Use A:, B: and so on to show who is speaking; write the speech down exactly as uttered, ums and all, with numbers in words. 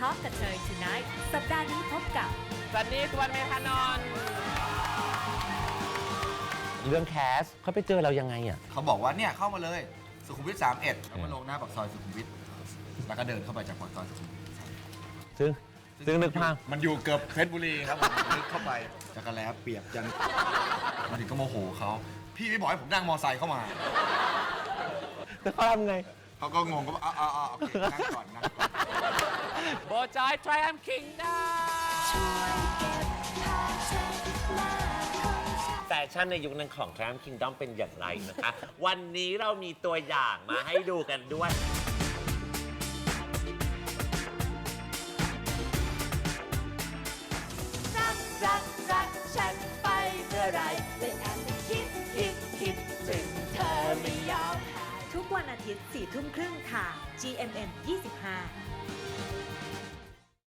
A: Talk กับเธอ Tonight สัปดาห์นี้พบกับ
B: ซันนี่สุวรรณเมธานนท์
C: เรื่องแคสเขาไปเจอเรายังไงอ่ะ
D: เขาบอกว่าเนี่ยเข้ามาเลยสุขุมวิทสามเอ็ดแล้วมาลงหน้าปากซอยสุขุมวิทแล้วก็เดินเข้าไปจากปากซอยสุขุมวิท
C: ซึ่งซึ่งนึกภาพ
D: มันอยู่เกือบเพชรบุรีครับผมนึกเข้าไปจักรแล้เปียกจังมาถึงก็โมโหเขาพี่ไม่บอกให้ผมนั่งมอไซค์เข้ามา
C: แล้วเขาทำไง
D: เขาก็งงก็บอกอ๋ออ๋อโอเคนั่งก่อนนั่งก่อน
B: โบจอย Triumph Kingdom
C: แฟชั่นในยุคนั้นของ Triumph Kingdom เป็นอย่างไรนะคะ วันนี้เรามีตัวอย่างมาให้ดูกันด้วย
A: รักรักรักฉันไปเมื่อไรเลยแอบไปคิดคิดคิดถึงเธอไม่ยอมหายทุกวันอาทิตย์สี่ทุ่มครึ่งทาง จี เอ็ม เอ็ม ยี่สิบห้า